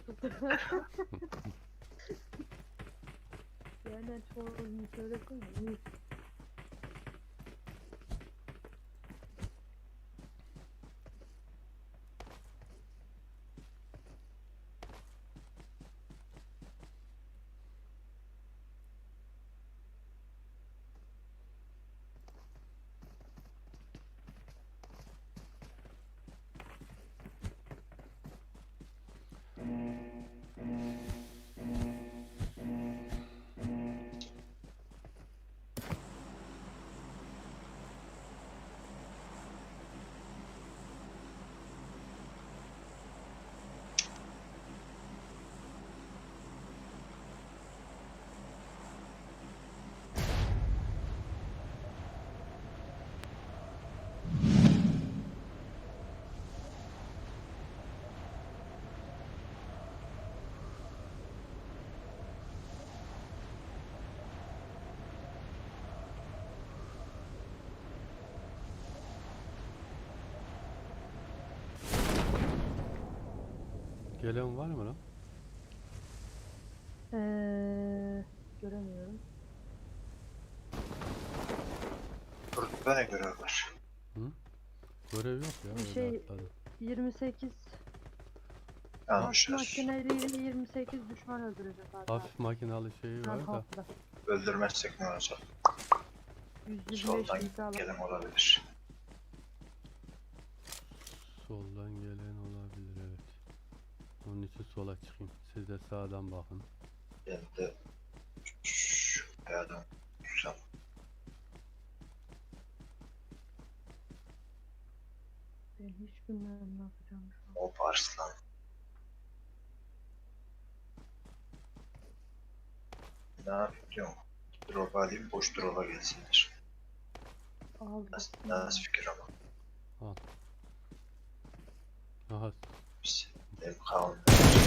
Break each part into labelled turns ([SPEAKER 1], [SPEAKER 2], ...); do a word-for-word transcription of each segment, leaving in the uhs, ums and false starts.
[SPEAKER 1] Yani çoğunu söylesene. İyi.
[SPEAKER 2] Gelen var mı lan?
[SPEAKER 1] Ee, göremiyorum.
[SPEAKER 3] Burada ne görev var?
[SPEAKER 2] Hı? Görev yok ya,
[SPEAKER 1] Bir
[SPEAKER 2] öyle
[SPEAKER 1] şey
[SPEAKER 2] atladım.
[SPEAKER 1] yirmi sekiz
[SPEAKER 3] Yanlış
[SPEAKER 1] Hafif
[SPEAKER 3] yaz.
[SPEAKER 1] makineliyle yirmi sekiz düşman öldürecek hatta.
[SPEAKER 2] Hafif makinalı şeyi
[SPEAKER 1] Ha,
[SPEAKER 2] var da.
[SPEAKER 1] hafta.
[SPEAKER 3] Öldürmezsek ne olacak?
[SPEAKER 1] yüz yirmi beş
[SPEAKER 3] Soldan
[SPEAKER 1] litre alalım.
[SPEAKER 3] gelen olabilir.
[SPEAKER 2] Soldan gelen olabilir, evet. Onun için sola çıkayım. Siz de sağdan bakın.
[SPEAKER 3] Ben de şu kayadan tutsam.
[SPEAKER 1] Ben hiç bilmiyorum ne yapacağım şu an.
[SPEAKER 3] O Arslan. Ne yapıyorum? Drop alayım, boş drop'a gelsinler.
[SPEAKER 1] Aldım.
[SPEAKER 3] Nasıl, nasıl fikir ama?
[SPEAKER 2] Al. Aha,
[SPEAKER 3] Biz benim kavimde.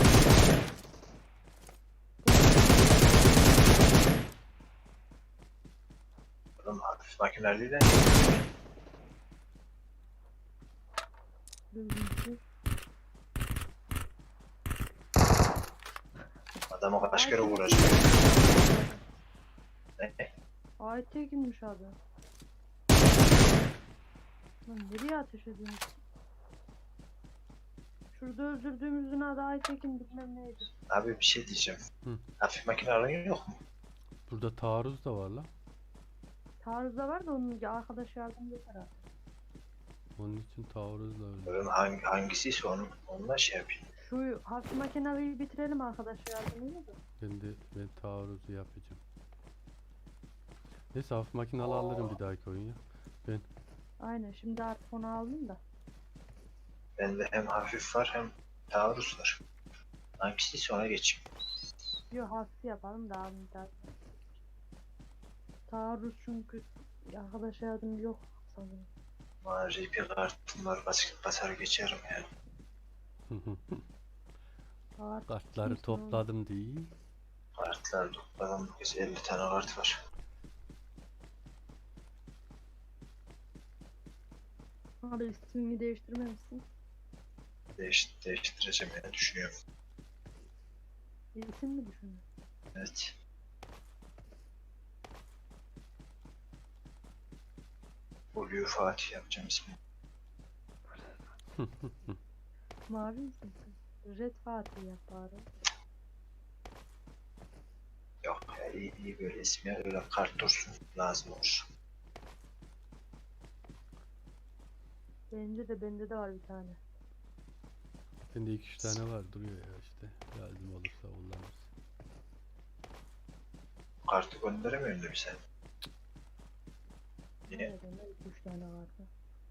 [SPEAKER 3] Oğlum hafif makineliyle
[SPEAKER 1] Düzgün.
[SPEAKER 3] adamı kaç kere vuracak? Ne?
[SPEAKER 1] Aytekin'miş abi. Lan nereye ateş ediyorsun? Şurada öldürdüğümüzün adı Aytekin bilmem neydi.
[SPEAKER 3] Abi bir şey diyeceğim.
[SPEAKER 2] Hı.
[SPEAKER 3] Hafif makinelerin yok mu?
[SPEAKER 2] burada taarruz da var lan.
[SPEAKER 1] Taarruzda var da onun arkadaş yardım yeter abi.
[SPEAKER 2] Onun için taarruzla öldüm.
[SPEAKER 3] Böyle hangi, hangisiyse onun, onunla şey yapayım.
[SPEAKER 1] Şu hafif makineyi bitirelim arkadaş yardımıyla da.
[SPEAKER 2] Ben de ben taarruzu yapacağım. Neyse, hafif makinalı alırım bir dahaki oyun ya. Ben
[SPEAKER 1] Aynen şimdi artık onu aldım da.
[SPEAKER 3] Bende hem hafif var hem taarruz var. Hangisiyse ona geçeyim.
[SPEAKER 1] Yok hafif yapalım da abim daha. Taarruz çünkü arkadaş yardım yok sanırım.
[SPEAKER 3] Bana R P kartım var, basar, basar geçerim yani.
[SPEAKER 1] Taarruz
[SPEAKER 2] kartları
[SPEAKER 1] kimse
[SPEAKER 2] topladım değil.
[SPEAKER 3] Kartlar topladım, bu kez elli tane kart var.
[SPEAKER 1] Abi ismini değiştirmemişsin.
[SPEAKER 3] Değiş, değiştireceğim yani düşünüyorum.
[SPEAKER 1] İsim mi düşünüyorsun?
[SPEAKER 3] Evet. Blue Fatih yapacağım ismini.
[SPEAKER 1] Mavi misin sen? Red Fatih yap bari.
[SPEAKER 3] Yok ya, iyi, iyi böyle isim ya, öyle kart dursun, lazım olur.
[SPEAKER 1] Bence de bende de var bir tane.
[SPEAKER 2] Bende iki üç tane var, duruyor ya işte. Lazım olursa kullanırız.
[SPEAKER 3] Kartı gönderemiyorsun değil mi sen? Niye?
[SPEAKER 1] Evet, bende iki üç tane vardı.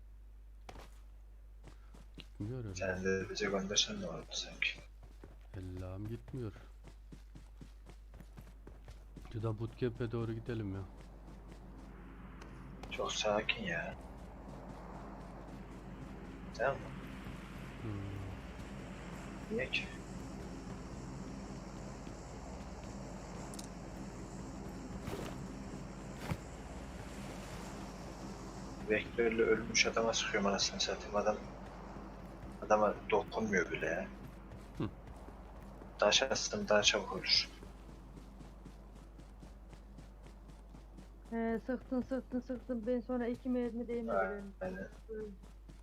[SPEAKER 2] Gitmiyor öyle.
[SPEAKER 3] Sen de bize göndersen ne olurdu sanki?
[SPEAKER 2] Ellam gitmiyor. Şuradan bootcamp'e doğru gidelim ya.
[SPEAKER 3] Çok sakin ya. Tamam mı?
[SPEAKER 2] Hmm.
[SPEAKER 3] Niye ki? Vektörle ölmüş adama sıkıyorum anasını satayım, adam adama dokunmuyor bile ya. Taş atsam daha çabuk olur.
[SPEAKER 1] He, sıktın sıktın sıktın. Ben sonra iki mermi değmedi benim.
[SPEAKER 3] Aynen.
[SPEAKER 1] Öldüm.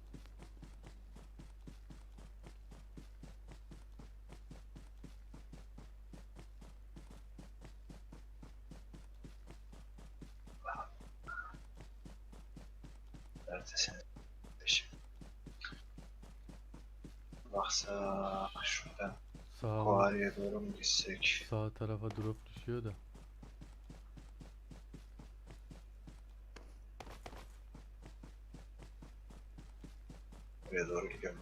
[SPEAKER 3] Neredesin? Peşim. Baksa şuradan
[SPEAKER 2] Sağ,
[SPEAKER 3] Kuari'ye doğru mu gitsek?
[SPEAKER 2] sağ tarafa drop düşüyor da.
[SPEAKER 3] Oraya doğru gidiyorum.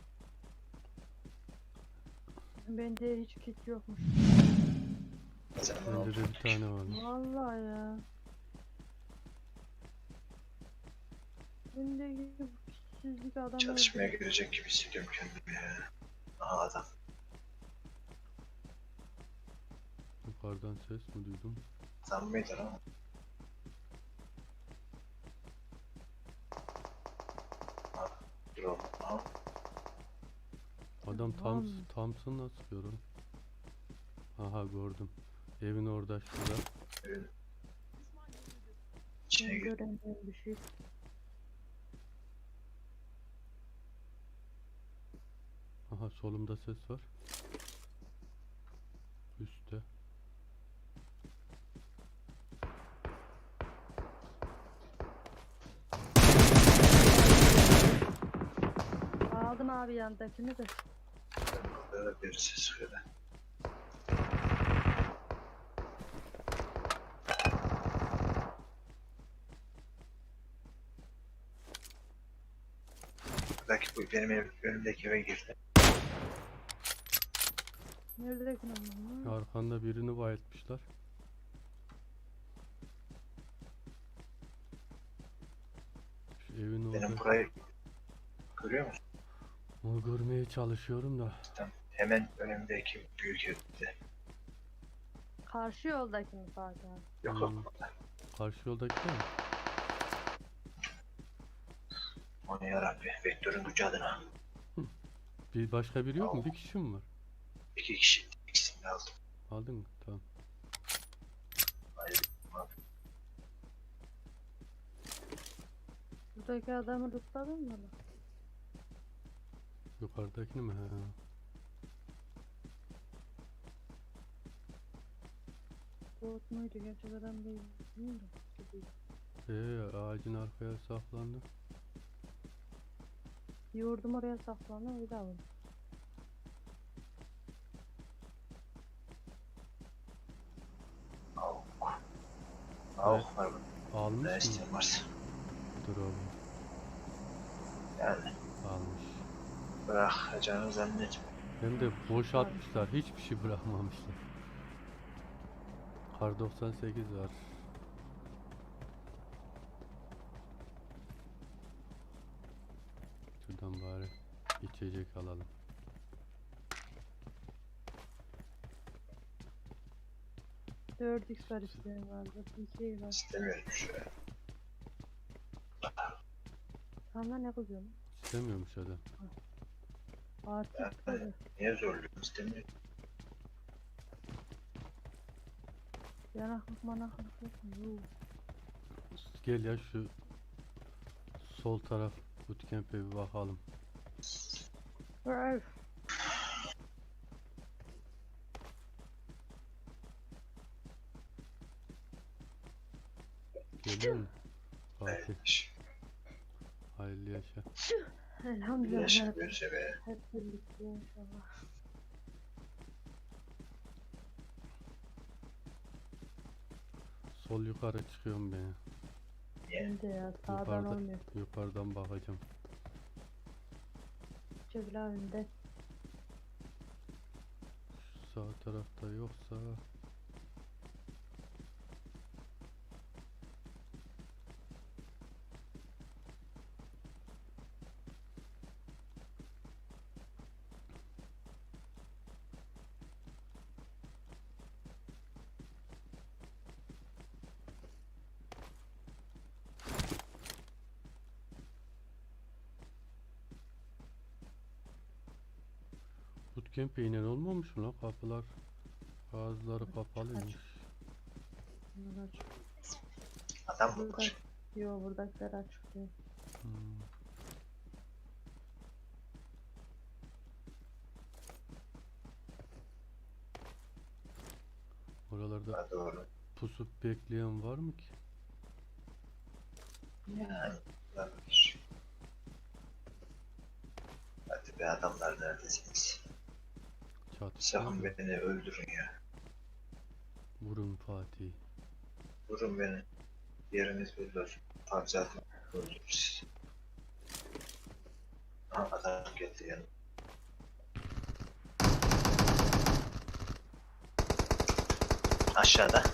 [SPEAKER 1] Bende hiç kit yokmuş.
[SPEAKER 3] Sen ne
[SPEAKER 2] Bende
[SPEAKER 3] oldu?
[SPEAKER 2] de bir tane varmış.
[SPEAKER 1] Vallahi ya. Bende gibi bu kitsizlik adam
[SPEAKER 3] Çatışmaya
[SPEAKER 1] öldü.
[SPEAKER 3] girecek gibi hissediyorum kendimi ya. Aha adam.
[SPEAKER 2] Yukarıdan ses mi duydum?
[SPEAKER 3] Adam mıydı lan? Ha, dur oğlum. Aha.
[SPEAKER 2] Adam tam
[SPEAKER 1] Tamam.
[SPEAKER 2] Thompson'la sıkıyor oğlum. Aha gördüm. Evin orada şurada.
[SPEAKER 3] Evin içine
[SPEAKER 1] Ben
[SPEAKER 3] gir.
[SPEAKER 1] göremiyorum bir şey.
[SPEAKER 2] Aha solumda ses var. Üstte.
[SPEAKER 1] Aldım abi yandakini de.
[SPEAKER 3] Burada da birisi sıkıyor da. Buradaki bu benim ev, önümdeki eve girdi.
[SPEAKER 1] Neredeki lan?
[SPEAKER 2] Arkanda birini bayıltmışlar. Şu evin
[SPEAKER 3] Benim
[SPEAKER 2] orada.
[SPEAKER 3] burayı görüyor musun?
[SPEAKER 2] Onu görmeye çalışıyorum da.
[SPEAKER 3] Tam hemen önümdeki büyük evde.
[SPEAKER 1] Karşı yoldaki mi Fatih abi?
[SPEAKER 3] Yok
[SPEAKER 2] Hmm.
[SPEAKER 3] yok.
[SPEAKER 2] Karşı yoldaki değil mi?
[SPEAKER 3] Onu yarabbi. Vektörün gücü adına.
[SPEAKER 2] Bir başka biri yok mu?
[SPEAKER 3] Al.
[SPEAKER 2] Bir kişi mi var?
[SPEAKER 3] İki kişi. İkisini de aldım.
[SPEAKER 2] Aldın mı? Tamam.
[SPEAKER 3] Hayır.
[SPEAKER 1] Buradaki adamı tutladın mı lan?
[SPEAKER 2] Yukarıdakini mi? He.
[SPEAKER 1] Bot muydu gerçek adam değil. Bilmiyorum.
[SPEAKER 2] Ee, ağacın arkaya saklandı.
[SPEAKER 1] Yordum oraya saklandı öyle aldım.
[SPEAKER 3] Avuk. Avuk var mı?
[SPEAKER 2] Almış
[SPEAKER 3] Ne
[SPEAKER 2] mı?
[SPEAKER 3] isteyen varsa.
[SPEAKER 2] Dur oğlum.
[SPEAKER 3] Yani
[SPEAKER 2] Almış.
[SPEAKER 3] bırakacağını zannetmiyorum.
[SPEAKER 2] Hem de boşaltmışlar. Hiçbir şey bırakmamışlar. Kar doksan sekiz var. Şuradan bari içecek alalım.
[SPEAKER 1] dört x var isteyen vardı. bir şey var.
[SPEAKER 3] İstemiyorum şu an.
[SPEAKER 1] Sana ne kızıyorsun?
[SPEAKER 2] İstemiyormuş adam.
[SPEAKER 1] Artık
[SPEAKER 3] Yani
[SPEAKER 1] tabii.
[SPEAKER 3] niye zorluyorum? İstemiyorum.
[SPEAKER 1] Yanaklık manaklık yok mu? Yok.
[SPEAKER 2] Gel ya şu sol taraf bootcamp'e bir bakalım.
[SPEAKER 1] Öf.
[SPEAKER 2] Geliyor mu? Fatih.
[SPEAKER 3] Evet.
[SPEAKER 2] Hayırlı yaşa.
[SPEAKER 1] Elhamdülillah.
[SPEAKER 3] Yaşa
[SPEAKER 1] Hep,
[SPEAKER 3] görse be.
[SPEAKER 1] hep birlikte inşallah.
[SPEAKER 2] Sol yukarı çıkıyorum ben.
[SPEAKER 1] Ben de ya sağdan
[SPEAKER 2] Yukarıda,
[SPEAKER 1] olmuyor.
[SPEAKER 2] yukarıdan bakacağım.
[SPEAKER 1] Çevir abimde.
[SPEAKER 2] Şu sağ tarafta yoksa bootcamp'e inen olmamış mı lan? Kapılar Bazıları kapalıymış.
[SPEAKER 1] Bunlar açık.
[SPEAKER 3] Adam mı
[SPEAKER 1] Burada,
[SPEAKER 3] var?
[SPEAKER 1] yo buradakiler açık diyor.
[SPEAKER 2] Hmm. Oralarda
[SPEAKER 3] Ha, doğru.
[SPEAKER 2] pusup bekleyen var mı ki?
[SPEAKER 3] Yani olabilir. Hadi be adamlar neredesiniz?
[SPEAKER 2] Çatışıyor
[SPEAKER 3] Sakın
[SPEAKER 2] mu?
[SPEAKER 3] beni öldürün ya.
[SPEAKER 2] Vurun Fatih.
[SPEAKER 3] Vurun beni. Yeriniz belli olsun. Abi zaten öldürür sizi. Ha, adam geldi yanıma. Aşağıda.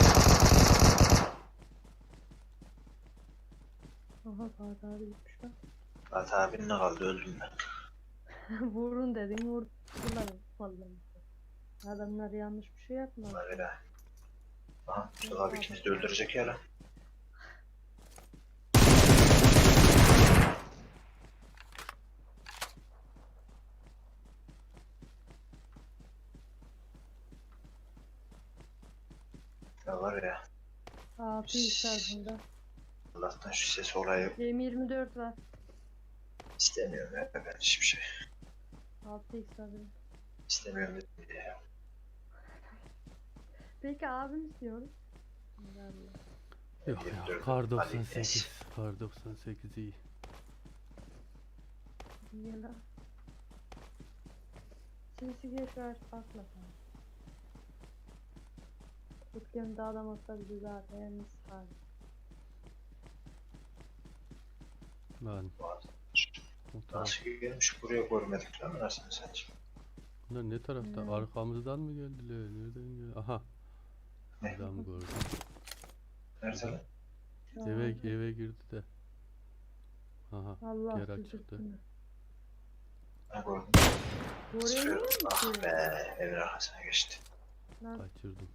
[SPEAKER 1] Aha Fatih abi gitmiş lan.
[SPEAKER 3] Fatih abinin ne kaldı, öldüm ben.
[SPEAKER 1] Vurun dedin vurdular vallahi. Adamlar yanlış bir şey yapmadı.
[SPEAKER 3] Bunlar öyle. Aha Mustafa abi ikimizi de öldürecek ya lan. Ya var ya,
[SPEAKER 1] altı x bunda.
[SPEAKER 3] Allah'tan şu ses olayı
[SPEAKER 1] M yirmi dört var.
[SPEAKER 3] istemiyorum ya, ben hiçbir şey
[SPEAKER 1] altı x abi.
[SPEAKER 3] istemiyorum dedim ya.
[SPEAKER 1] Peki abim istiyorum. Allah.
[SPEAKER 2] Yok
[SPEAKER 3] yirmi
[SPEAKER 2] ya,
[SPEAKER 3] dört
[SPEAKER 2] kar
[SPEAKER 3] Ali
[SPEAKER 2] doksan sekiz.
[SPEAKER 3] Enes.
[SPEAKER 2] Kar doksan sekiz iyi.
[SPEAKER 1] Niye lan? Sesi geç ver bakma sen. Türkiye'nin dağdan olsa bizi zaten misal.
[SPEAKER 2] Lan o taraf.
[SPEAKER 3] Nasıl gelmiş buraya görmedik lan, nasıl satayım?
[SPEAKER 2] Bunlar ne tarafta?
[SPEAKER 1] Hmm.
[SPEAKER 2] Arkamızdan mı geldiler? Nereden geldi? Aha.
[SPEAKER 3] Ne?
[SPEAKER 2] Adam gördüm.
[SPEAKER 3] Nerede lan?
[SPEAKER 2] Eve eve girdi de. Aha.
[SPEAKER 1] Allah
[SPEAKER 2] geri
[SPEAKER 1] sizi
[SPEAKER 2] çıktı.
[SPEAKER 1] tutsun.
[SPEAKER 3] Ne gördüm?
[SPEAKER 1] Göremiyor
[SPEAKER 3] Ah
[SPEAKER 1] musun?
[SPEAKER 3] be, evin arkasına geçti.
[SPEAKER 1] Lan
[SPEAKER 2] Kaçırdım.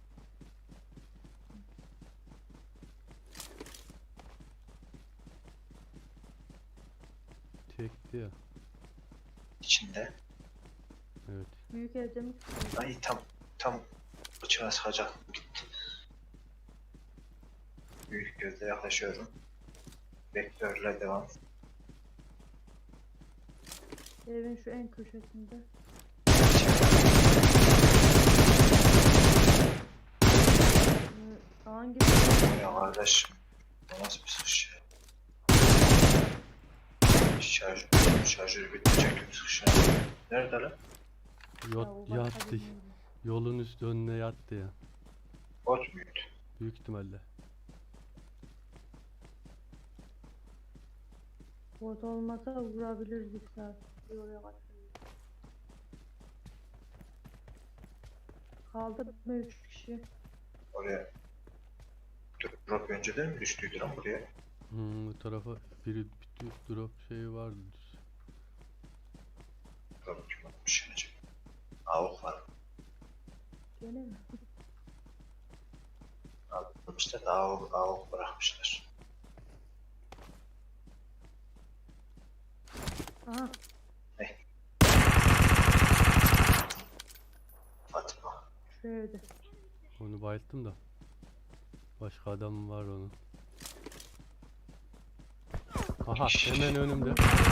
[SPEAKER 2] Tekti ya.
[SPEAKER 3] İçinde.
[SPEAKER 2] Evet.
[SPEAKER 1] büyük evde mi tutuyor?
[SPEAKER 3] Ay tam tam bıçağı sıkacaktım, gitti. Büyük gözle yaklaşıyorum. Vektörle devam.
[SPEAKER 1] Evin şu en köşesinde. Ee, Hangi
[SPEAKER 3] Ya kardeşim, bu nasıl bir sıkış ya? Şarj, şarjörü bitecek gibi sıkış ya. Nerede lan?
[SPEAKER 1] Ya, o
[SPEAKER 2] Yot,
[SPEAKER 1] başka
[SPEAKER 2] yattı.
[SPEAKER 1] bilmiyorum.
[SPEAKER 2] Yolun üstü önüne yattı ya.
[SPEAKER 3] Bot muydu?
[SPEAKER 2] Büyük ihtimalle.
[SPEAKER 1] Bot olmasa vurabilirdik zaten. Bir oraya kaçırdık. Kaldı mı üç kişi?
[SPEAKER 3] Oraya drop önceden mi düştüydü lan buraya?
[SPEAKER 2] Hmm, bu tarafa biri bir drop şeyi vardı.
[SPEAKER 3] Drop kim atmış acaba? Avuk var.
[SPEAKER 1] Gene mi?
[SPEAKER 3] Almışlar da avuk, avuk bırakmışlar.
[SPEAKER 1] Aha
[SPEAKER 3] Fatma.
[SPEAKER 1] şu evde.
[SPEAKER 2] Onu bayılttım da. Başka adam var onun. Aha, hemen önümde.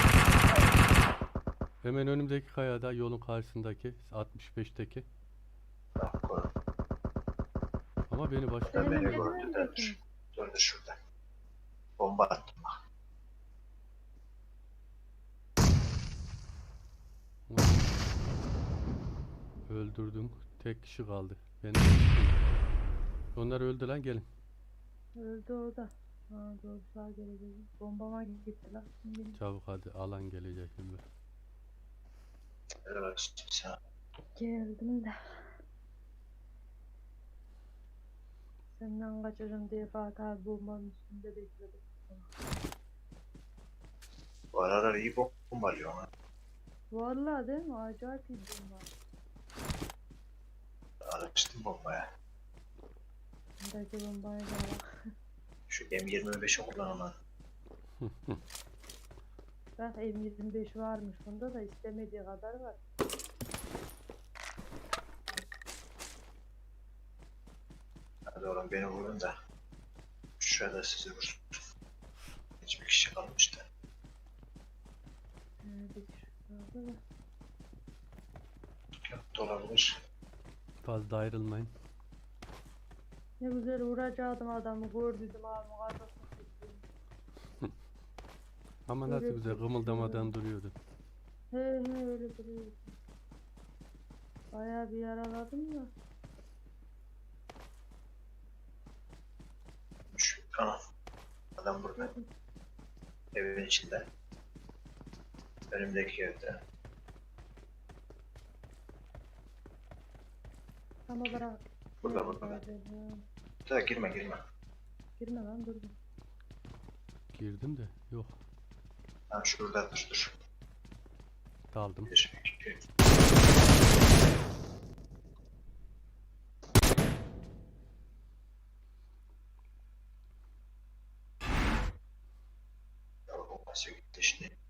[SPEAKER 2] Hemen önümdeki kayada, yolun karşısındaki altmış beşteki.
[SPEAKER 3] Bak koy.
[SPEAKER 2] Ama beni başka
[SPEAKER 3] Ben
[SPEAKER 1] Senin
[SPEAKER 3] beni
[SPEAKER 1] evde
[SPEAKER 3] gördü
[SPEAKER 1] mi
[SPEAKER 3] de
[SPEAKER 1] peki?
[SPEAKER 3] dur. Dur dur şurada. Bomba attım bak.
[SPEAKER 2] öldürdüm. Tek kişi kaldı. Ben onlar öldü lan, gelin.
[SPEAKER 1] Öldü o da. Ha doğru sağ gelecek. Bombama gitti lan. Şimdi
[SPEAKER 2] Çabuk hadi, alan gelecek şimdi.
[SPEAKER 3] Evet sen.
[SPEAKER 1] geldim de. Senden kaçacağım diye Fatih abi bombanın üstünde bekledim.
[SPEAKER 3] Bu aralar iyi bombalıyor ha.
[SPEAKER 1] Vallahi değil mi? Acayip iyi bomba.
[SPEAKER 3] Alıştım bombaya.
[SPEAKER 1] Buradaki bombaya da bak.
[SPEAKER 3] Şu M yirmi beşi kullanılan.
[SPEAKER 1] Bak M yirmi beş varmış. Bunda da istemediği kadar var.
[SPEAKER 3] Hadi oğlum beni vurun da. Şurada sizi vursun. Hiçbir kişi kalmıştı.
[SPEAKER 1] Ee, bir kişi kaldı da.
[SPEAKER 3] Yok da olabilir.
[SPEAKER 2] Fazla ayrılmayın.
[SPEAKER 1] Ne güzel vuracaktım adamı gördüydüm abi kafasına sıktım.
[SPEAKER 2] Ama nasıl
[SPEAKER 1] Evet,
[SPEAKER 2] güzel
[SPEAKER 1] evet,
[SPEAKER 2] kımıldamadan
[SPEAKER 1] evet.
[SPEAKER 2] duruyordu.
[SPEAKER 1] He he öyle duruyor. Bayağı bir yaraladım da.
[SPEAKER 3] Şu, ana. Adam burada. Evin içinde. Önümdeki evde.
[SPEAKER 1] Tam olarak.
[SPEAKER 3] Burada, burada.
[SPEAKER 1] Neredeydi?
[SPEAKER 3] Da girme girme.
[SPEAKER 1] Girme lan durdum.
[SPEAKER 2] Girdim de yok.
[SPEAKER 3] Ha şurada dur dur.
[SPEAKER 2] Daldım.
[SPEAKER 3] Bir, iki. Ya, o nasıl gitti şimdi?